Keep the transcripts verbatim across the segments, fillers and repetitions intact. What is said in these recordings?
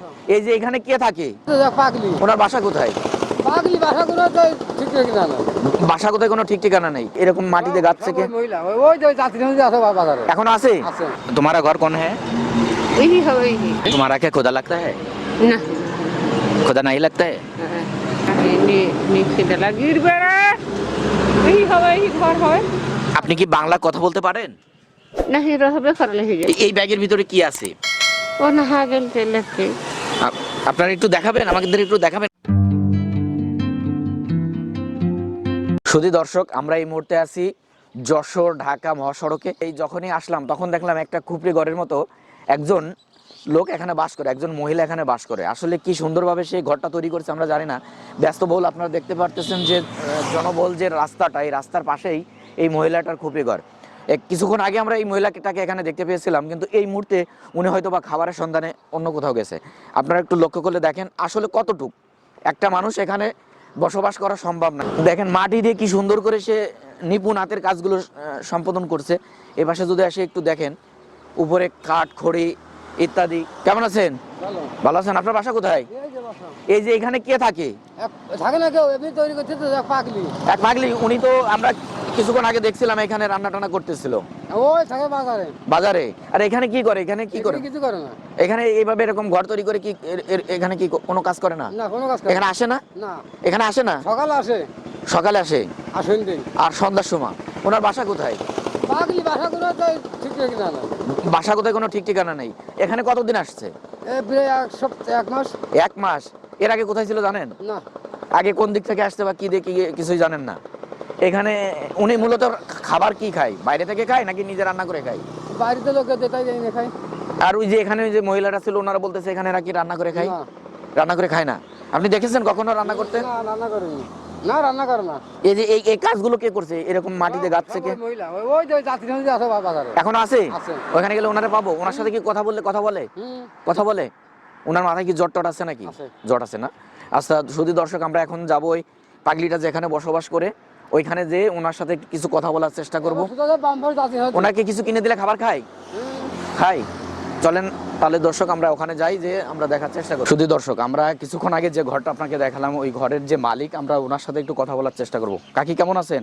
এই যে এখানে কে থাকে? পাগলি। ওনার বাসা কোথায়? পাগলি বাসা কোনো তো ঠিক ঠিকানা না। বাসা কোথায় কোনো ঠিক ঠিকানা নেই। এরকম মাটিতে গাছ থেকে মহিলা ওই যে যাত্রী আছে বাজারে। এখন আছে? আছে। तुम्हारा घर कौन है? यही है वही। तुम्हारा क्या खुदा लगता है? ना खुदा नहीं लगता है? नी नीचे दला गिर बेड़ा यही है वही घर है। আপনি কি বাংলা কথা বলতে পারেন? नहीं रहबे करले ही जे এই ব্যাগের ভিতরে কি আছে? ओ नहा गेल ते लेके আপ- আপনারা একটু দেখাবেন, আমাদের একটু দেখাবেন। সুধী দর্শক, আমরা এই মুহূর্তে আছি যশোর ঢাকা মহাসড়কে। এই যখনই আসলাম তখন দেখলাম একটা খুপড়ি ঘরের মতো একজন লোক এখানে বাস করে, একজন মহিলা এখানে বাস করে। আসলে কি সুন্দরভাবে সেই ঘরটা তৈরি করেছে আমরা জানি না। ব্যস্তবহুল, আপনারা দেখতে পারতেছেন যে আহ, জনবহুল যে রাস্তাটা, এই রাস্তার পাশেই এই মহিলাটার খুপড়ি ঘর। এক কিছুক্ষণ আগে আমরা এই মহিলাটাকে এখানে দেখতে পেয়েছিলাম, কিন্তু এই মুহূর্তে উনি হয়তো বা খাবারের সন্ধানে অন্য কোথাও গেছে। আপনারা একটু লক্ষ্য করলে দেখেন আসলে কতটুক একটা মানুষ এখানে বসবাস করা সম্ভব না। দেখেন মাটি দিয়ে কি সুন্দর করে সে নিপুণ হাতের কাজগুলো আহ, সম্পাদন করছে। এ পাশে যদি আসে একটু দেখেন, উপরে কাঠ খড়ি ইত্যাদি। কেমন আছেন? ভালো। ভালো আছেন? আপনার বাসা কোথায়? এই যে বাসা। এই যে এখানে কে থাকে? এক- থাকে না কেউ এমনি তৈরি করছে তো এক পাগলি। এক পাগলি। উনি তো আমরা কিছুক্ষণ আগে দেখছিলাম এখানে রান্না টান্না করতেছিল ওই থাকে বাজারে। বাজারে। আর এখানে কি করে? এখানে কি করে? এখানে কিছু করে না। এখানে এইভাবে এরকম ঘর তৈরি করে কি এর- এর- এখানে কি কোনো কাজ করে না? না কোনো কাজ করে এখানে আসে না? না। এখানে আসে না? সকালে আসে সকালে আসে আসেন দিন। আর সন্ধ্যার সময়। ওনার বাসা কোথায়? পাগলি বাসা কোনো তো ঠিক ঠিকানা না। বাসা কোথায় কোনো ঠিক ঠিকানা নেই। এখানে কতদিন আসছে? এই প্রায় এক সপ্তাহ এক মাস। এক মাস। এর আগে কোথায় ছিল জানেন? না আগে কোন দিক থেকে আসছে বা কি দেখে কিছুই জানেন না? এখানে উনি মূলত খাবার কি খায়? বাইরে থেকে খায় নাকি নিজে রান্না করে খায়? বাড়িতে লোকে যেটাই যাই না খাই। আর ওই যে এখানে ওই যে মহিলারা ছিল ওনারা বলতেছে এখানে নাকি রান্না করে খায়। না। রান্না করে খায় না। আপনি দেখেছেন কখনো রান্না করতে? না রান্না করেনি। না রান্না করে না। এই যে এই এই কাজগুলো কে করছে এরকম মাটিতে গাছ থেকে? ওই মহিলা ওই ওই যে যাত্রী আছে বাজারে। এখন আছে? আছে। ওখানে গেলে ওনারা পাবো? ওনার সাথে কি কথা বললে কথা বলে? হুম। কথা বলে? ওনার মাথায় কি জ্বর টট আছে নাকি? আছে। জ্বর আছে না? আচ্ছা শুধু দর্শক, আমরা এখন যাবো ওই পাগলিটা যেখানে বসবাস করে ওইখানে যে ওনার সাথে কিছু কথা বলার চেষ্টা করব। ওনাকে কিছু কিনে দিলে খাবার খায়? খাই। চলেন তাহলে দর্শক আমরা ওখানে যাই, যে আমরা দেখার চেষ্টা করি। শুধু দর্শক, আমরা কিছুক্ষণ আগে যে ঘরটা আপনাকে দেখালাম ওই ঘরের যে মালিক, আমরা ওনার সাথে একটু কথা বলার চেষ্টা করব। কাকি কেমন আছেন?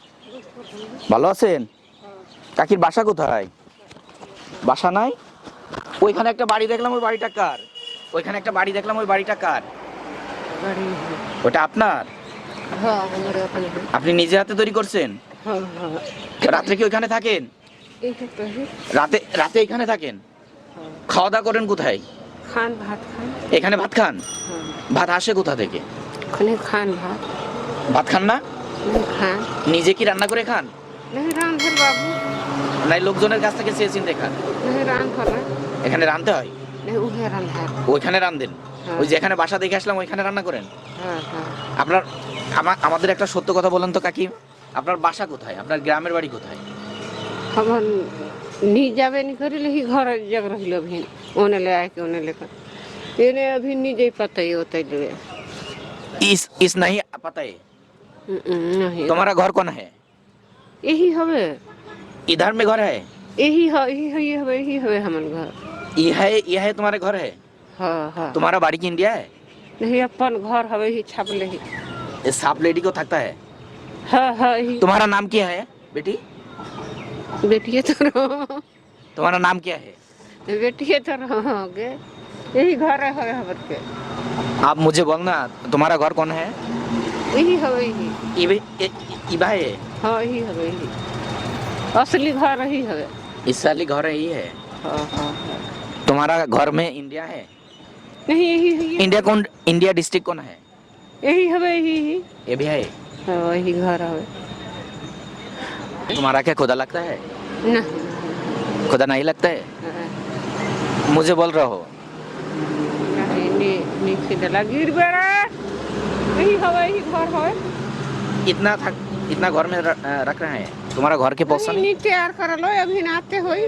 ভালো আছেন? কাকির বাসা কোথায়? বাসা নাই? ওইখানে একটা বাড়ি দেখলাম, ওই বাড়িটা কার? ওইখানে একটা বাড়ি দেখলাম, ওই বাড়িটা কার? गाड़ी ওটা আপনার? हाँ हमारे अपने আপনি নিজে হাতে তৈরি করছেন? हाँ हाँ রাত্রে কি ওইখানে থাকেন? एक तो है রাতে রাতে এখানে থাকেন? খাওয়া দাওয়া করেন কোথায়? खान भात खान এখানে ভাত খান? हाँ ভাত আসে কোথা থেকে? खने खान भात ভাত खान না? नहीं खान নিজে কি রান্না করে খান नहीं रान भर बाबू নাই লোকজনের কাছ থেকে চেয়ে চিনতে খান? नहीं रान भर ना এখানে রাঁধতে হয়? नहीं उहे रान है ওইখানে রাঁধেন? হ্যাঁ। ওই যে এখানে বাসা দেখে আসলাম ওইখানে রান্না করেন? हाँ हाँ আপনার আমা- আমাদের একটা সত্য কথা বলেন তো কাকি, আপনার বাসা কোথায়? আপনার গ্রামের বাড়ি কোথায়? हम नी जावे नहीं करी ही घर जग रही अभी ओने ले आए के ओने लेकर इन्हें अभी नहीं जाई पता ही होता है इस इस नहीं पता है? नहीं तुम्हारा घर कौन है? यही हवे इधर में घर है? यही है यही है यही हवे यही हवे हमन घर ये है ये है तुम्हारे घर है? हाँ हाँ तुम्हारा बाड़ी की इंडिया है? नहीं अपन घर हवे ही छाप ले ही ये सांप लेडी को थकता है? हाँ हाँ यही तुम्हारा नाम क्या है बेटी? बेटिए तो रहो तुम्हारा नाम क्या है? बेटिए तो रहोगे यही घर है हवे हमन के आप मुझे बोलना तुम्हारा घर कौन है? यही हवे यही इबे इ- इबा है? हाँ यही हवे यही असली घर यही हवे इस साली घर यही है? हाँ हाँ हाँ तुम्हारा घर में इंडिया है? नहीं यही है इंडिया कौन? इंडिया डिस्ट्रिक्ट कौन है? यही हवे यही यही ये भी है? हाँ वही घर हवे तुम्हारा क्या खुदा लगता है? ना खुदा नहीं लगता है? मुझे बोल रहे हो? नहीं नी नीचे दला गिर बेड़ा यही हवे यही घर हवे इतना थक इतना घर में र- रख रहे हैं, तुम्हारा घर के पोषण नहीं तैयार कर लो अभी नाते होई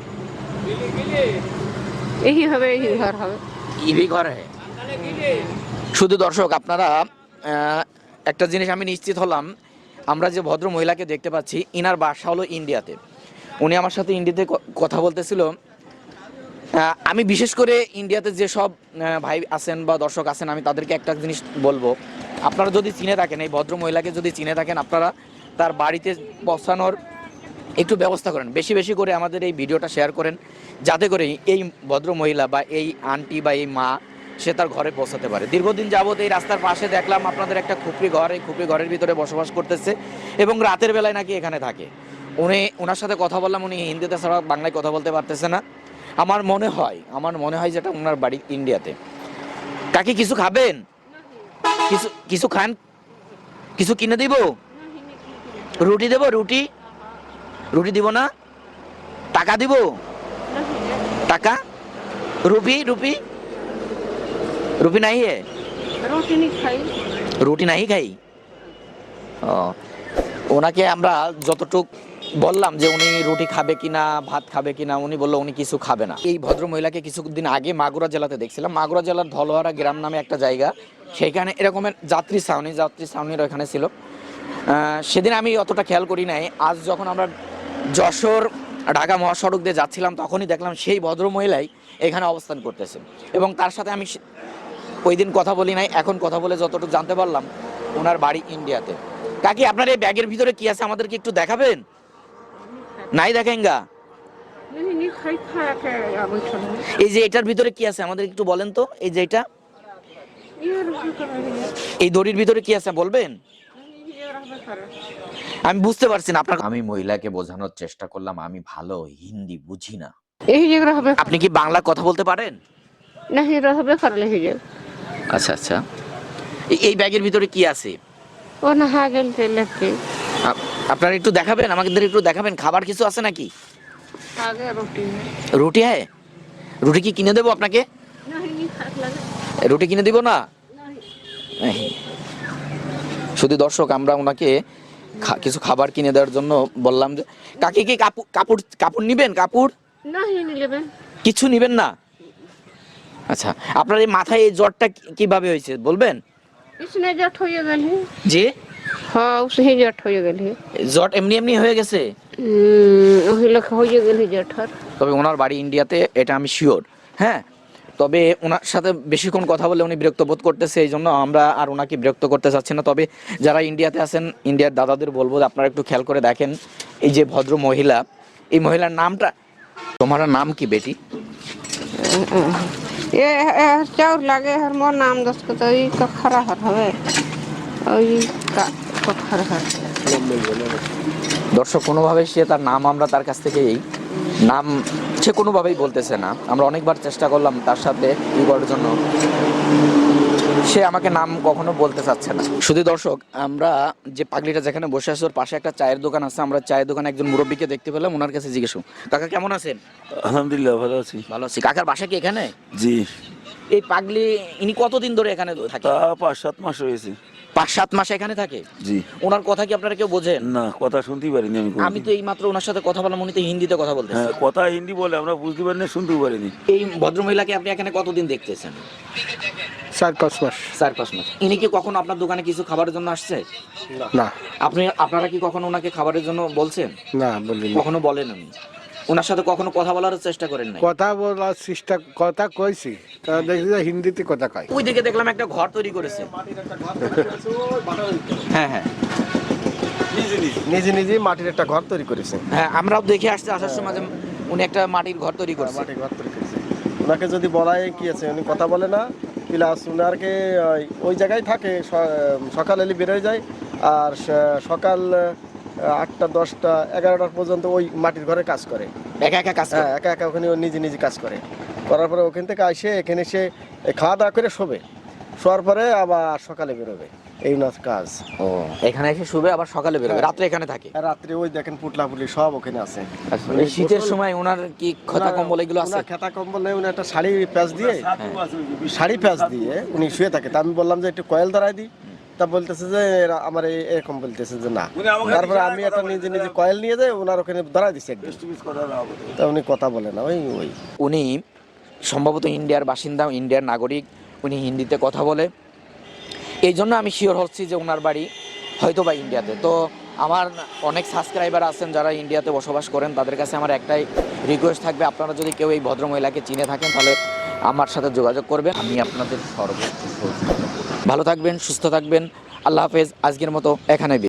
यही हवे यही घर हवे ये भी घर है? শুধু দর্শক, আপনারা আহ, একটা জিনিস আমি নিশ্চিত হলাম, আমরা যে ভদ্র মহিলাকে দেখতে পাচ্ছি ইনার বাসা হলো ইন্ডিয়াতে। উনি আমার সাথে ইন্ডিয়াতে ক- কথা বলতেছিল। আহ, আমি বিশেষ করে ইন্ডিয়াতে যেসব আহ, ভাই আছেন বা দর্শক আছেন, আমি তাদেরকে একটা জিনিস বলবো, আপনারা যদি চিনে থাকেন, এই ভদ্র মহিলাকে যদি চিনে থাকেন, আপনারা তার বাড়িতে পৌঁছানোর একটু ব্যবস্থা করেন, বেশি বেশি করে আমাদের এই ভিডিওটা শেয়ার করেন, যাতে করে এই ভদ্র মহিলা বা এই আন্টি বা এই মা সে তার ঘরে পৌঁছাতে পারে। দীর্ঘদিন যাবত এই রাস্তার পাশে দেখলাম আপনাদের একটা খুপড়ি ঘর, এই খুপড়ি ঘরের ভিতরে বসবাস করতেছে এবং রাতের বেলায় নাকি এখানে থাকে। উনি ওনার সাথে কথা বললাম, উনি হিন্দিতে ছাড়া বাংলায় কথা বলতে পারতেছে না। আমার মনে হয় আমার মনে হয় যেটা ওনার বাড়ি ইন্ডিয়াতে। কাকি কিছু খাবেন? কিছু কিছু খান? কিছু কিনে দিব? রুটি দেব? রুটি রুটি দিব না? টাকা দিব? টাকা? রুপি রুপি রুপি নাই হে? रोटी नहीं खाई। রুটি নাই খাই। ও, ওনাকে আমরা যতটুক বললাম যে উনি রুটি খাবে কিনা, ভাত খাবে কিনা, উনি বললো উনি কিছু খাবে না। এই ভদ্র মহিলাকে কিছুদিন আগে মাগুরা জেলাতে দেখছিলাম, মাগুরা জেলার ধলোয়ারা গ্রাম নামে একটা জায়গা, সেখানে এরকমের যাত্রী ছাউনি যাত্রী ছাউনির ওখানে ছিল। আহ, সেদিন আমি অতটা খেয়াল করি নাই। আজ যখন আমরা যশোর ঢাকা মহাসড়ক দিয়ে যাচ্ছিলাম, তখনই দেখলাম সেই ভদ্র মহিলাই এখানে অবস্থান করতেছে এবং তার সাথে আমি সে- ওই দিন কথা বলি নাই, এখন কথা বলে যতটুকু জানতে পারলাম ওনার বাড়ি ইন্ডিয়াতে। কাকি আপনার এই ব্যাগের ভিতরে কি আছে আমাদেরকে একটু দেখাবেন? নাই দেখাইঙ্গা? नहीं नहीं खाई खाया के आगे चलो। এই যে এটার ভিতরে কি আছে আমাদের একটু বলেন তো। এই যে এটা, ये रोटी कर रही है। এই দড়ির ভিতরে কি আছে বলবেন? ये रहबे करे। আমি বুঝতে পারছি না আপনার। আমি মহিলাকে বোঝানোর চেষ্টা করলাম আমি ভালো হিন্দি বুঝি না। यही जगह रहबे। আপনি কি বাংলা কথা বলতে পারেন? नहीं रहबे कर ले ही जगह। আচ্ছা আচ্ছা। এই- এই ব্যাগের ভিতরে কি আছে? वो नहा गेल थे लेके। আপ- আপনারা একটু দেখাবেন, আমাদের একটু দেখাবেন, খাবার কিছু আছে নাকি? आगे रोटी है। রুটি হ্যাঁ? রুটি কি কিনে দেবো আপনাকে? नहीं नहीं खाक लगे। রুটি কিনে দিব না? नहीं। এই। শুধু দর্শক, আমরা ওনাকে খা- কিছু খাবার কিনে দেওয়ার জন্য বললাম যে কাকি কি কাপড় কাপড় কাপড় নিবেন? কাপড় नहीं नहीं लेबे। কিছু নিবেন না? আচ্ছা, আপনার এই মাথায় এই জ্বরটা কি- কিভাবে হয়েছে বলবেন? इसने जट हो गेल है। যে हाँ उसही जट हो गेल है। জ্বর এমনি এমনি হয়ে গেছে? हम्म, वही लख हो गेल है जठर। তবে ওনার বাড়ি ইন্ডিয়াতে, এটা আমি শিওর। হ্যাঁ, তবে ওনার সাথে বেশিক্ষণ কথা বলে উনি বিরক্ত বোধ করতেছে, এই জন্য আমরা আর ওনাকে বিরক্ত করতে চাচ্ছি না। তবে যারা ইন্ডিয়াতে আছেন, ইন্ডিয়ার দাদাদের বলবো যে আপনারা একটু খেয়াল করে দেখেন এই যে ভদ্র মহিলা, এই মহিলার নামটা, তোমার নাম কি বেটি? ये ये चाउर लागे हर मोर नाम दस को तो ई का खरा हर हवे और ई का को खरा हर। দর্শক, কোনোভাবেই সে তার নাম, আমরা তার কাছ থেকে এই নাম সে কোনোভাবেই বলতেছে না। আমরা অনেকবার চেষ্টা করলাম তার সাথে ই করার জন্য, সে আমাকে নাম কখনো বলতে চাচ্ছে না। শুধু দর্শক, আমরা যে পাগলিটা যেখানে বসে আছে ওর পাশে একটা চায়ের দোকান আছে, আমরা চায়ের দোকানে একজন মুরব্বীকে দেখতে পেলাম, ওনার কাছে জিজ্ঞেস করব, কাকা কেমন আছেন? আলহামদুলিল্লাহ ভালো আছি। ভালো আছি। কাকার বাসা কি এখানে? জি, এই পাগলি ইনি কতদিন ধরে এখানে থাকে? তা পাঁচ সাত মাস হয়েছে। পাঁচ সাত মাস এখানে থাকে? জি, ওনার কথা কি আপনারা কেউ বোঝেন? না কথা শুনতেই পারিনি আমি কোনোদিন। আমি তো এই মাত্র ওনার সাথে কথা বললাম, উনি তো হিন্দিতে কথা বলতেছেন। হ্যাঁ, কথা হিন্দি বলে আমরা বুঝতে পারিনি, শুনতেও পারিনি। এই ভদ্রমহিলাকে আপনি এখানে কতদিন দেখতেছেন? চার পাঁচ মাস। চার পাঁচ মাস। ইনি কি কখনো আপনার দোকানে কিছু খাবারের জন্য আসছে? না আপনি আপনারা কি কখনো ওনাকে খাবারের জন্য বলছেন? না বলিনি। কখনো বলেন উনি? ওনার সাথে কখনো কথা বলার চেষ্টা করেন নাই? কথা বলার চেষ্টা কথা কইছি, তা দেখছি যে হিন্দিতে কথা কয়। ওই দিকে দেখলাম একটা ঘর তৈরি করেছে। হ্যাঁ হ্যাঁ নিজে নিজে মাটির একটা ঘর তৈরি করেছে। হ্যাঁ, আমরাও দেখে আসছি আসার সময় যে উনি একটা মাটির ঘর তৈরি করছে। মাটির ঘর তৈরি করেছে। ওনাকে যদি বলাই কি আছে, উনি কথা বলে না, প্লাস উনারকে ওই- ওই জায়গায় থাকে, স- সকাল এলে বেরোয় যায়, আর স- সকাল আহ, আটটা দশটা এগারোটার পর্যন্ত ওই মাটির ঘরে কাজ করে। একা একা কাজ করে? হ্যাঁ, একা একা ওখানে ও নিজে নিজে কাজ করে। করার পরে ওখান থেকে আসে এখানে সে খাওয়া দাওয়া করে শোবে, শোয়ার পরে আবার সকালে বেরোবে, এই ওনার কাজ। ও, এখানে এসে শুবে আবার সকালে বেরোবে, হ্যাঁ। রাত্রে এখানে থাকে? আর রাত্রে ওই দেখেন পুটলা পুটলি সব ওখানে আছে। এই শীতের সময় ওনার কি খতা কম্বল এগুলো আছে? ওনার খেতা কম্বল নেই, উনি একটা শাড়ি প্যাচ দিয়ে শাড়ি প্যাচ দিয়ে উনি শুয়ে থাকে। তা আমি বললাম যে একটু কয়েল ধরাই দিই, তা বলতেছে যে এরা- আমার এই- এরকম বলতেছে যে না। তারপরে আমি একটা নিজে নিজে কয়েল নিয়ে যাই, ওনার ওখানে ধরাই দিচ্ছি একদম। তা উনি কথা বলে না, ওই ওই উনি সম্ভবত ইন্ডিয়ার বাসিন্দা, ইন্ডিয়ার নাগরিক, উনি হিন্দিতে কথা বলে, এই জন্য আমি শিওর হচ্ছি যে ওনার বাড়ি হয়তো বা ইন্ডিয়াতে। তো আমার অনেক সাবস্ক্রাইবার আছেন যারা ইন্ডিয়াতে বসবাস করেন, তাদের কাছে আমার একটাই রিকোয়েস্ট থাকবে, আপনারা যদি কেউ এই ভদ্রমহিলাকে চিনে থাকেন তাহলে আমার সাথে যোগাযোগ করবেন। আমি আপনাদের সর্বোচ্চ সহযোগিতা করব। ভালো থাকবেন, সুস্থ থাকবেন, আল্লাহ হাফেজ। আজকের মতো এখানে